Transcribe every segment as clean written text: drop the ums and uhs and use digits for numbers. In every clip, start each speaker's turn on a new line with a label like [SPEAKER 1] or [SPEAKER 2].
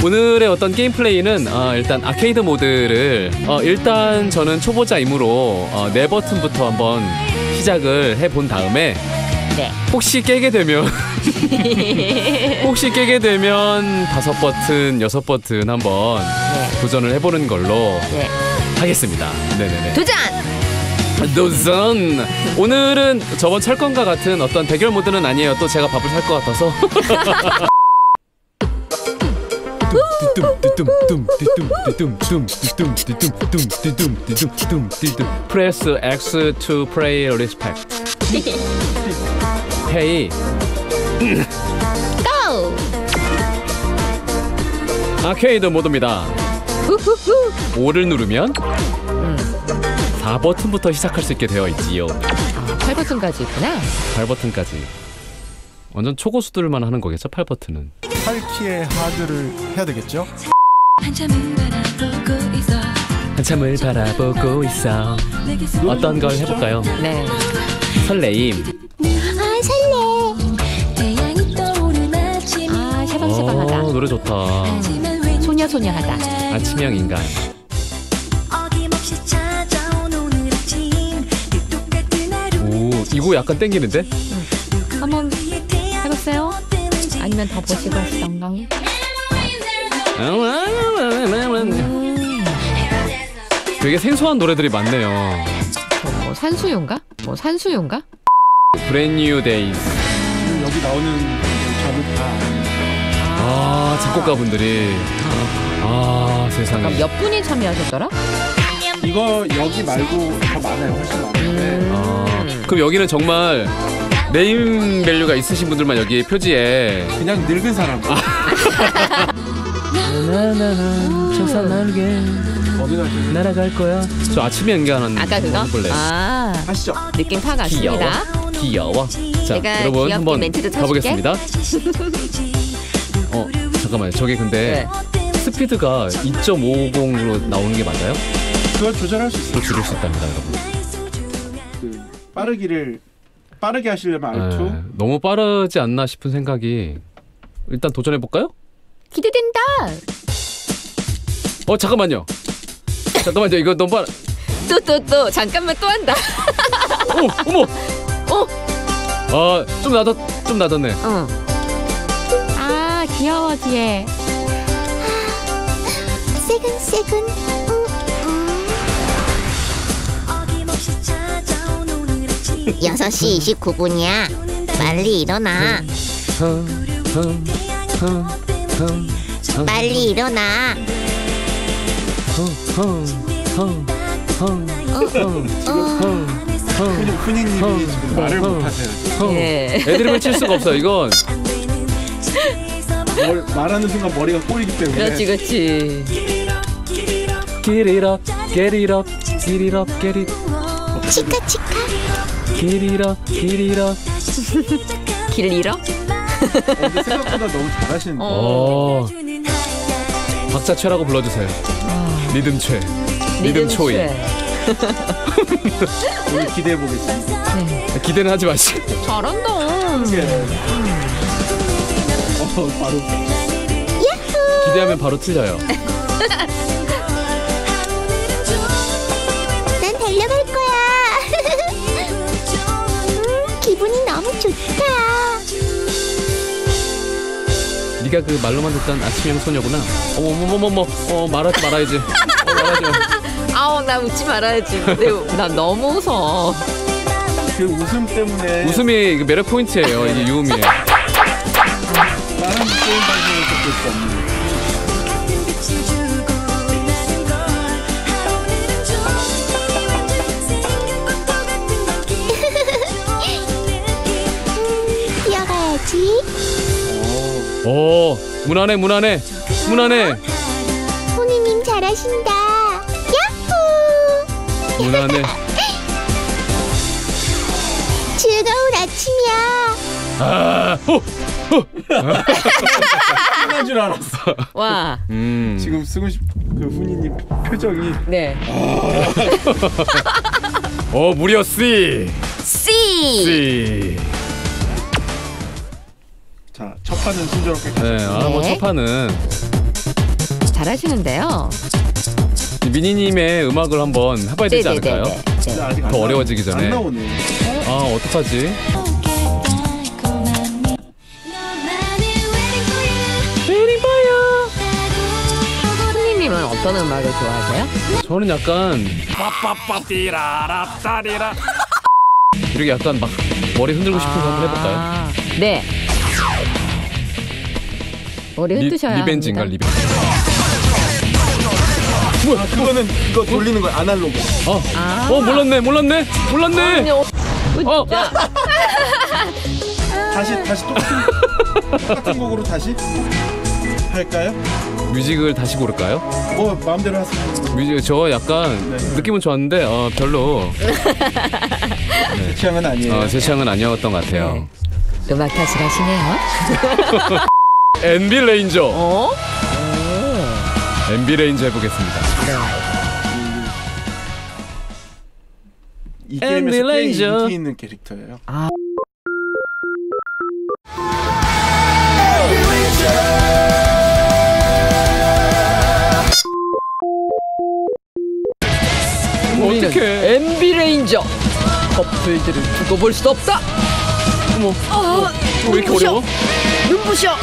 [SPEAKER 1] 오늘의 어떤 게임 플레이는 일단 아케이드 모드를 일단 저는 초보자이므로 네 버튼부터 한번 시작을 해본 다음에
[SPEAKER 2] 네.
[SPEAKER 1] 혹시 깨게 되면 다섯 버튼, 여섯 버튼 한번 도전을 해보는 걸로 하겠습니다. 네네네. 도전! 오늘은 저번 철권과 같은 어떤 대결 모드는 아니에요. 또 제가 밥을 살 것 같아서. Press X to play respect. Pay.
[SPEAKER 2] Go!
[SPEAKER 1] 아케이드 모드입니다. 5를 누르면 4버튼부터 시작할 수 있게 되어 있지요.
[SPEAKER 2] 8버튼까지 있구나.
[SPEAKER 1] 8버튼까지. 완전 초고수들만 하는 거겠죠, 8버튼은.
[SPEAKER 3] 8키의 하드를 해야 되겠죠?
[SPEAKER 1] 한참을 바라보고 있어. 어떤 걸 해볼까요?
[SPEAKER 2] 네.
[SPEAKER 1] 설레임.
[SPEAKER 2] 샤방샤방하다.
[SPEAKER 1] 노래 좋다.
[SPEAKER 2] 소녀소녀하다.
[SPEAKER 1] 아침형 인간. 오, 이거 약간 땡기는데?
[SPEAKER 2] 한번 해봤어요? 아니면 더 보시고 하시던가?
[SPEAKER 1] 되게 생소한 노래들이 많네요.
[SPEAKER 2] 뭐 산수유인가?
[SPEAKER 1] Brand New Days.
[SPEAKER 3] 여기 나오는 작은 다
[SPEAKER 1] 작곡가분들이. 세상에.
[SPEAKER 2] 그럼 몇 분이 참여하셨더라?
[SPEAKER 3] 이거 여기 말고 더 많아요. 훨씬 많은데
[SPEAKER 1] 그럼 여기는 정말 네임 밸류가 있으신 분들만 여기 표지에
[SPEAKER 3] 그냥 늙은 사람.
[SPEAKER 1] 천사 날개
[SPEAKER 3] 어디 가시는?
[SPEAKER 1] 날아갈 거야. 저 아침에 연기하는
[SPEAKER 2] 아까 그거?
[SPEAKER 1] 해볼래.
[SPEAKER 3] 하시죠.
[SPEAKER 2] 느낌 파악왔습니다.
[SPEAKER 1] 귀여워. 자,
[SPEAKER 2] 내가
[SPEAKER 1] 여러분
[SPEAKER 2] 귀엽게
[SPEAKER 1] 한번
[SPEAKER 2] 멘트도
[SPEAKER 1] 가보겠습니다. 잠깐만요. 저게 근데 스피드가 2.50으로 나오는 게 맞아요?
[SPEAKER 3] 그걸 조절할 수 있어요.
[SPEAKER 1] 줄일 수 있답니다, 여러분.
[SPEAKER 3] 빠르게 하시려면 R2.
[SPEAKER 1] 너무 빠르지 않나 싶은 생각이. 일단 도전해 볼까요?
[SPEAKER 2] 기대된다.
[SPEAKER 1] 잠깐만요. 이거 너무 빠르.
[SPEAKER 2] 또 잠깐만 또 한다.
[SPEAKER 1] 어머. 좀 낮았네.
[SPEAKER 2] 귀여워 뒤에.
[SPEAKER 4] 세근 6시 29분이야. 빨리 일어나. 빨리 일어나.
[SPEAKER 3] 훈이님이 지금 말을 못하세요.
[SPEAKER 1] 애드립을 칠 수가 없어. 이건
[SPEAKER 3] 말하는 순간 머리가 꼬이기 때문에.
[SPEAKER 2] 그렇지.
[SPEAKER 1] Get it up, get it up, get it up, get it.
[SPEAKER 4] 치카.
[SPEAKER 1] Get it up, get it up.
[SPEAKER 2] 길 잃어?
[SPEAKER 3] 근데 생각보다 너무 잘하시는데.
[SPEAKER 1] 박자 최라고 불러주세요. 리듬 최. 리듬 초이.
[SPEAKER 3] 오늘 기대해 보겠습니다.
[SPEAKER 1] 기대는 하지 마시고.
[SPEAKER 2] 잘한다.
[SPEAKER 3] 바로.
[SPEAKER 1] 기대하면 바로 틀려요.
[SPEAKER 4] 난 달려갈 거야. 기분이 너무 좋다.
[SPEAKER 1] 네가 그 말로만 듣던 아침형 소녀구나. 어머머머머. 말하지 말아야지. 말하지 마.
[SPEAKER 2] 나 웃지 말아야지. 나 너무 웃어.
[SPEAKER 3] 그 웃음 때문에.
[SPEAKER 1] 웃음이 그 매력 포인트예요. 이게 유음이에요.
[SPEAKER 3] 다른 게임 방송에서 볼 수 없는.
[SPEAKER 4] 뛰어가야지.
[SPEAKER 1] 무난해.
[SPEAKER 4] 훈이님 잘하신다. 야호.
[SPEAKER 1] 무난해.
[SPEAKER 4] 즐거운 아침이야.
[SPEAKER 3] 끝난 줄 알았어.
[SPEAKER 2] 와.
[SPEAKER 3] 지금 쓰고 그 훈이님 표정이.
[SPEAKER 2] 네.
[SPEAKER 1] 무려 C.
[SPEAKER 3] 자, 첫 판은 순조롭게.
[SPEAKER 1] 첫 판은
[SPEAKER 2] 잘하시는데요.
[SPEAKER 1] 미니님의 음악을 한번 해봐야 되지 않을까요?
[SPEAKER 3] 근데 아직
[SPEAKER 1] 더 어려워지기 전에.
[SPEAKER 3] 안 나오네.
[SPEAKER 1] 아 어떡하지?
[SPEAKER 2] 손님님은 어떤 음악을 좋아하세요?
[SPEAKER 1] 저는 약간 빠빠빠띠라랍따리라 이렇게 약간 막 머리 흔들고 싶은 거 한번 해볼까요?
[SPEAKER 2] 네. 머리 흔드셔야
[SPEAKER 1] 리벤지인가
[SPEAKER 2] 합니다.
[SPEAKER 1] 리벤지.
[SPEAKER 3] 뭐야? 그거는 이거 돌리는 거야. 아날로그.
[SPEAKER 1] 몰랐네.
[SPEAKER 3] 다시 똑같은 곡으로 다시 할까요?
[SPEAKER 1] 뮤직을 다시 고를까요?
[SPEAKER 3] 뭐 마음대로 하세요.
[SPEAKER 1] 뮤직 저 약간
[SPEAKER 3] 네.
[SPEAKER 1] 느낌은 좋았는데 별로
[SPEAKER 3] 제 취향은 아니에요.
[SPEAKER 1] 제 취향은 아니었던 것 같아요.
[SPEAKER 2] 네. 음악 탓을 하시네요.
[SPEAKER 1] NB 레인저.
[SPEAKER 2] 어?
[SPEAKER 1] NB 레인저 해보겠습니다.
[SPEAKER 3] 이 게임에서 꽤
[SPEAKER 1] 엠빌레이저.
[SPEAKER 3] 인기 있는 캐릭터예요.
[SPEAKER 1] 어떡해.
[SPEAKER 2] MB 레인저. 커플들을 두고 볼 수 없다.
[SPEAKER 1] 어머. 왜 이렇게 어려워?
[SPEAKER 2] 눈부셔.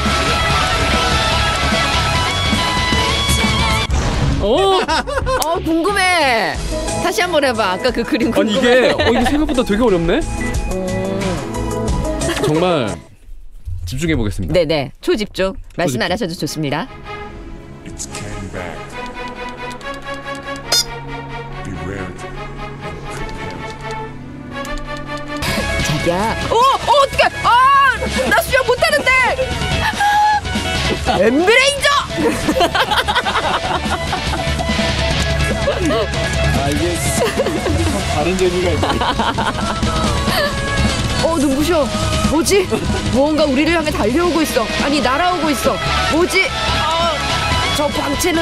[SPEAKER 2] 궁금해. 다시 한번 해봐. 아까 그 그림
[SPEAKER 1] 아니
[SPEAKER 2] 궁금해.
[SPEAKER 1] 이게 생각보다 되게 어렵네. 정말 집중해 보겠습니다.
[SPEAKER 2] 네네. 초집중. 말씀
[SPEAKER 1] 초집중.
[SPEAKER 2] 안 하셔도 좋습니다.
[SPEAKER 5] It's came back. Be ready.
[SPEAKER 2] 자기야. 어떡해. 나 수영 못하는데. MB 레인저.
[SPEAKER 3] 이게 참 다른 재미가 있네.
[SPEAKER 2] 눈부셔. 뭐지? 무언가 우리를 향해 달려오고 있어. 아니 날아오고 있어. 뭐지? 저 광채는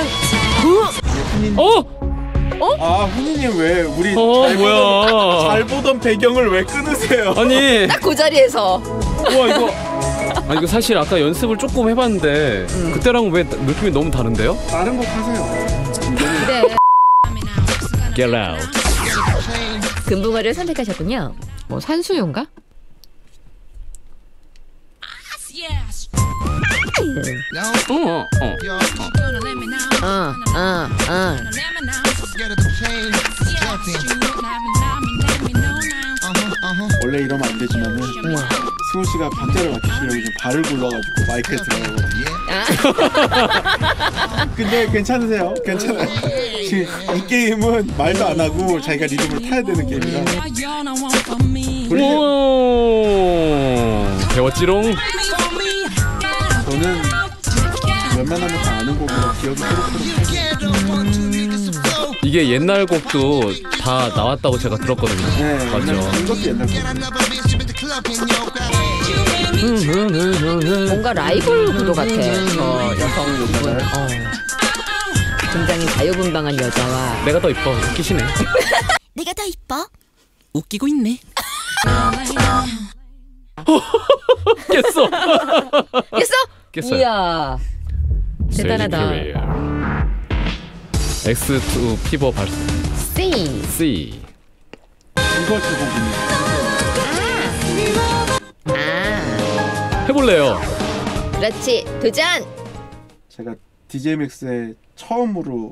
[SPEAKER 3] 훈이님 왜 우리
[SPEAKER 1] 뭐야?
[SPEAKER 3] 잘 보던 배경을 왜 끊으세요?
[SPEAKER 1] 아니
[SPEAKER 2] 딱 그 자리에서.
[SPEAKER 1] 우와 이거 사실 아까 연습을 조금 해봤는데 그때랑 왜 느낌이 너무 다른데요?
[SPEAKER 3] 다른 곡 하세요.
[SPEAKER 2] 그래.
[SPEAKER 1] Get out.
[SPEAKER 2] 금붕어를 선택하셨군요. 뭐 산수유인가?
[SPEAKER 3] 원래 이러면 안 되지만은 승우 씨가 박자를 맞추시려고 좀 발을 굴러가지고 마이크에 들어가거든요. 근데 괜찮으세요? 괜찮아요. 이 게임은 말도 안 하고 자기가 리듬을 타야 되는 게임이라.
[SPEAKER 1] 배웠지롱.
[SPEAKER 3] 저는 웬만하면 다 아는 곡으로 기억이 새록새록.
[SPEAKER 1] 이게 옛날 곡도 다 나왔다고 제가 들었거든요.
[SPEAKER 3] 네,
[SPEAKER 1] 맞죠.
[SPEAKER 3] 이것도 옛날 곡.
[SPEAKER 2] 뭔가 라이벌 구도 같아. 저 여성분. 굉장히 자유분방한 여자와
[SPEAKER 1] 내가 더 이뻐. 웃기시네.
[SPEAKER 4] 내가 더 이뻐?
[SPEAKER 6] 웃기고 있네.
[SPEAKER 1] 깼어.
[SPEAKER 2] 깼어? 이야. 대단하다.
[SPEAKER 1] X2 피버 발사. C.
[SPEAKER 3] 이거 두 곡입니다.
[SPEAKER 1] 해볼래요.
[SPEAKER 2] 그렇지. 도전.
[SPEAKER 3] 제가 DJMX에 처음으로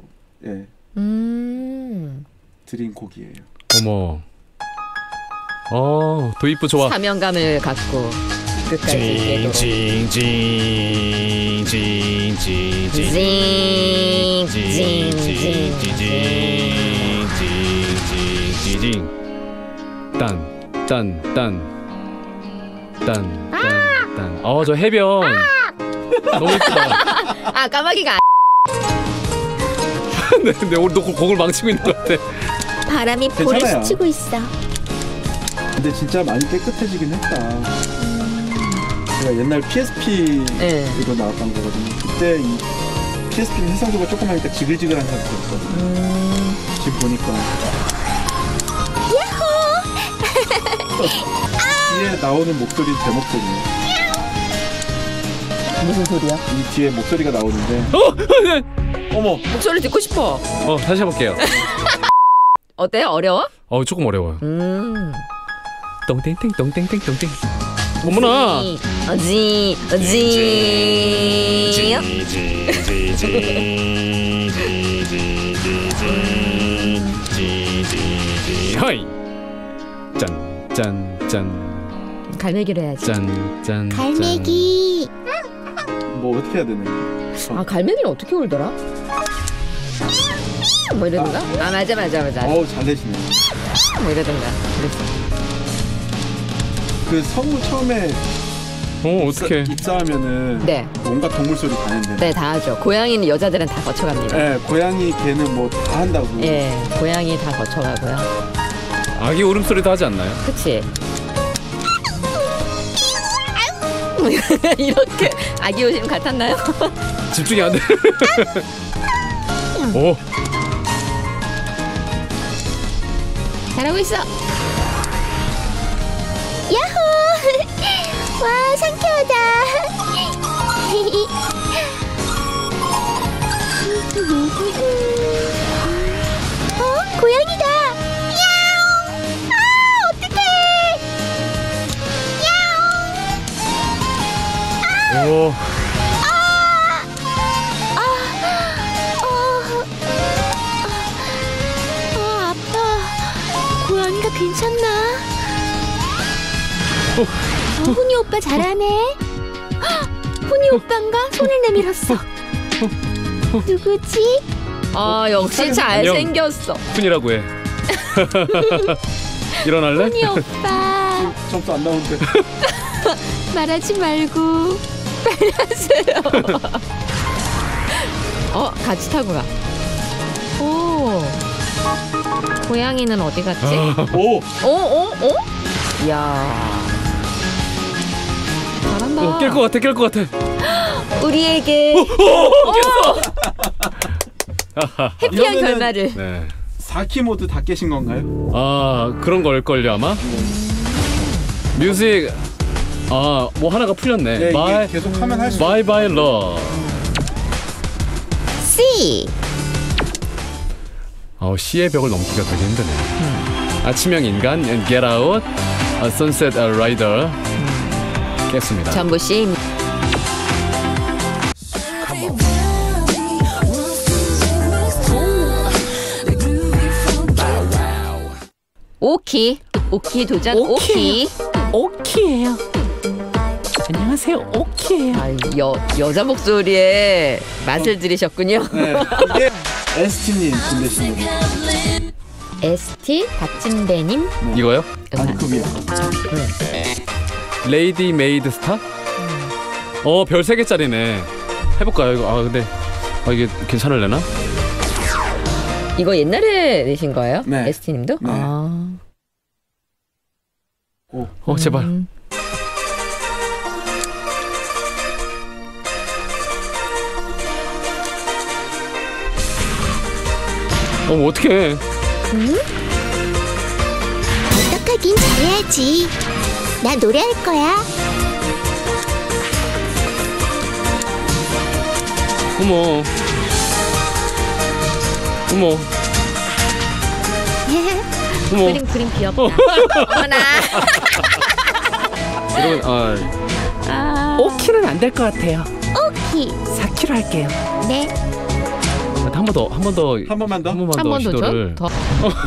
[SPEAKER 3] 드린 곡이에요.
[SPEAKER 1] 어머. 도입부 좋아.
[SPEAKER 2] 사명감을 갖고 끝까지
[SPEAKER 1] 저 해변 너무 이쁘다.
[SPEAKER 2] 까마귀가
[SPEAKER 1] 근데 우리 너 곡을 망치고 있는 것 같아.
[SPEAKER 4] 바람이 볼을
[SPEAKER 3] 괜찮아요.
[SPEAKER 4] 스치고 있어.
[SPEAKER 3] 근데 진짜 많이 깨끗해지긴 했다. 제가 옛날 PSP로 나왔던 거거든요. 그때 이 PSP는 해상도가 조그마니까 지글지글한 상태였거든요. 지금 보니까 뒤에 나오는 목소리 제 목소리예요.
[SPEAKER 2] 무슨 소리야?
[SPEAKER 3] 이 뒤에 목소리가 나오는데. 어머.
[SPEAKER 2] 목소리 듣고 싶어.
[SPEAKER 1] 다시 해볼게요.
[SPEAKER 2] 어때요? 어려워?
[SPEAKER 1] 조금 어려워요. 똥땡땡 똥땡땡 똥땡. 어머나.
[SPEAKER 2] 어지.
[SPEAKER 1] 하이. 짠.
[SPEAKER 2] 갈매기로 해야지.
[SPEAKER 1] 짠.
[SPEAKER 4] 갈매기.
[SPEAKER 3] 뭐 어떻게 해야 되나?
[SPEAKER 2] 아, 갈매기는 어떻게 울더라? 뭐 이러던가? 아, 맞아.
[SPEAKER 3] 어우 잘 내시네.
[SPEAKER 2] 뭐 이러던가. 그랬어.
[SPEAKER 3] 그 성우 처음에
[SPEAKER 1] 어떡해.
[SPEAKER 3] 입사하면은
[SPEAKER 2] 네.
[SPEAKER 3] 온갖 동물 소리 다 낸대.
[SPEAKER 2] 네, 다 하죠. 고양이는 여자들은 다 거쳐갑니다.
[SPEAKER 3] 네, 고양이 개는 뭐 다 한다고.
[SPEAKER 2] 예, 고양이 다 거쳐가고요.
[SPEAKER 1] 아기 울음소리도 하지 않나요?
[SPEAKER 2] 그치? 이렇게 아기 오심 같았나요?
[SPEAKER 1] 집중이 안 돼. 오.
[SPEAKER 2] 잘하고 있어.
[SPEAKER 4] 야호! 와, 상쾌하다. 고양이다. 야옹! 아, 어떡해! 야옹!
[SPEAKER 1] 오.
[SPEAKER 4] 아파. 고양이가 괜찮나? 훈이 오빠 잘하네. 훈이 오빠인가? 손을 내밀었어. 누구지?
[SPEAKER 2] 아, 역시 잘생겼어.
[SPEAKER 1] 푼이라고 해. 일어날래?
[SPEAKER 4] 훈이 오빠.
[SPEAKER 3] 점수 안 나오는데.
[SPEAKER 4] 말하지 말고 빨리 하세요.
[SPEAKER 2] 같이 타고 가. 오. 고양이는 어디 갔지?
[SPEAKER 3] 오.
[SPEAKER 2] 이야. 잘한다.
[SPEAKER 1] 깰 것 같아.
[SPEAKER 2] 우리에게 해피한
[SPEAKER 3] 이러면은-
[SPEAKER 2] 결말을.
[SPEAKER 1] 네.
[SPEAKER 3] 4키 모드 다 깨신 건가요?
[SPEAKER 1] 그런 걸걸요 아마. 뮤직. 뭐 하나가 풀렸네.
[SPEAKER 3] 네,
[SPEAKER 1] My
[SPEAKER 3] 이게 계속 하면 할수
[SPEAKER 1] Bye Love.
[SPEAKER 4] C.
[SPEAKER 1] C의 벽을 넘기가 되게 힘드네. 아침형 인간, Get Out, Sunset Rider 깼습니다.
[SPEAKER 2] 전부 씨. 오키 도전. 오키.
[SPEAKER 1] 오키예요. 안녕하세요. 오키예요.
[SPEAKER 2] 여자 목소리에 맛을 들이셨군요.
[SPEAKER 3] 네, 이게 ST님 준비하신 거.
[SPEAKER 2] ST 박진배님.
[SPEAKER 1] 이거요?
[SPEAKER 3] 아니 그 위에.
[SPEAKER 1] 레이디 메이드 스타? 별 3개짜리네. 해볼까요 이거? 근데 이게 괜찮을래나?
[SPEAKER 2] 이거 옛날에 내신 거예요?
[SPEAKER 3] 네.
[SPEAKER 2] ST님도?
[SPEAKER 3] 네.
[SPEAKER 1] 제발. 어떡해.
[SPEAKER 4] 어떡하긴 잘해야지. 나 노래할 거야.
[SPEAKER 1] 어머.
[SPEAKER 2] 그림 귀엽다. 어머나.
[SPEAKER 1] 여러분, 5키는 안 될 것 같아요.
[SPEAKER 4] 오키.
[SPEAKER 1] 4키로 할게요.
[SPEAKER 4] 네.
[SPEAKER 1] 한 번 더.
[SPEAKER 3] 한 번만 더.
[SPEAKER 1] 한 번
[SPEAKER 2] 한 번
[SPEAKER 1] 시도를.
[SPEAKER 2] 더.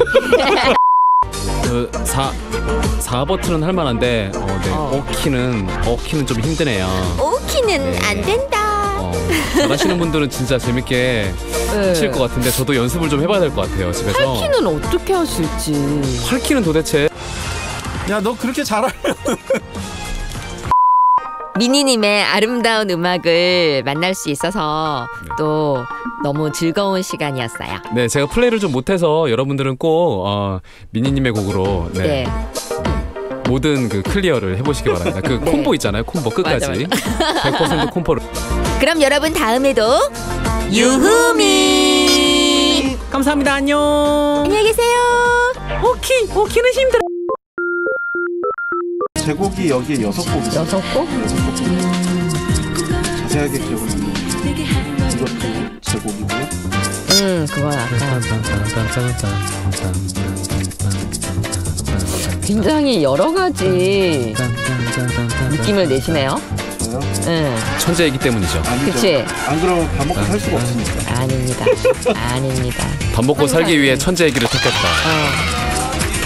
[SPEAKER 2] 4 버튼은 할 만한데, 네. 5키는 좀 힘드네요.
[SPEAKER 4] 오키는
[SPEAKER 1] 네.
[SPEAKER 4] 안 된다.
[SPEAKER 1] 잘하시는 분들은 진짜 재밌게 하실 것 같은데 저도 연습을 좀 해봐야 될 것 같아요 집에서.
[SPEAKER 2] 8키는 어떻게 하실지.
[SPEAKER 1] 8키는 도대체.
[SPEAKER 3] 야 너 그렇게 잘하면.
[SPEAKER 2] 미니님의 아름다운 음악을 만날 수 있어서 또 너무 즐거운 시간이었어요.
[SPEAKER 1] 네, 제가 플레이를 좀 못해서 여러분들은 꼭 미니님의 곡으로
[SPEAKER 2] 네.
[SPEAKER 1] 모든 그 클리어를 해보시기 바랍니다. 그
[SPEAKER 2] 네.
[SPEAKER 1] 콤보 있잖아요, 콤보 끝까지.
[SPEAKER 2] 맞아.
[SPEAKER 1] 100% 콤보를.
[SPEAKER 4] 그럼 여러분 다음에도 유후미.
[SPEAKER 1] 감사합니다. 안녕.
[SPEAKER 4] 안녕히 계세요.
[SPEAKER 1] 오키는 힘들어.
[SPEAKER 3] 제곡이 여기에 6곡 있어요.
[SPEAKER 2] 6곡?
[SPEAKER 3] 자세히 제약의 기억은 이것도 제곡이고요.
[SPEAKER 2] 그건 아까 굉장히 여러 가지 느낌을 내시네요.
[SPEAKER 3] 저요?
[SPEAKER 1] 천재이기 때문이죠.
[SPEAKER 3] 아니죠.
[SPEAKER 2] 그치?
[SPEAKER 3] 안 그러면 밥 먹고 살 수가 없으니까.
[SPEAKER 2] 아닙니다. 아닙니다.
[SPEAKER 1] 밥 먹고 살기 위해 천재의 길을 택했다.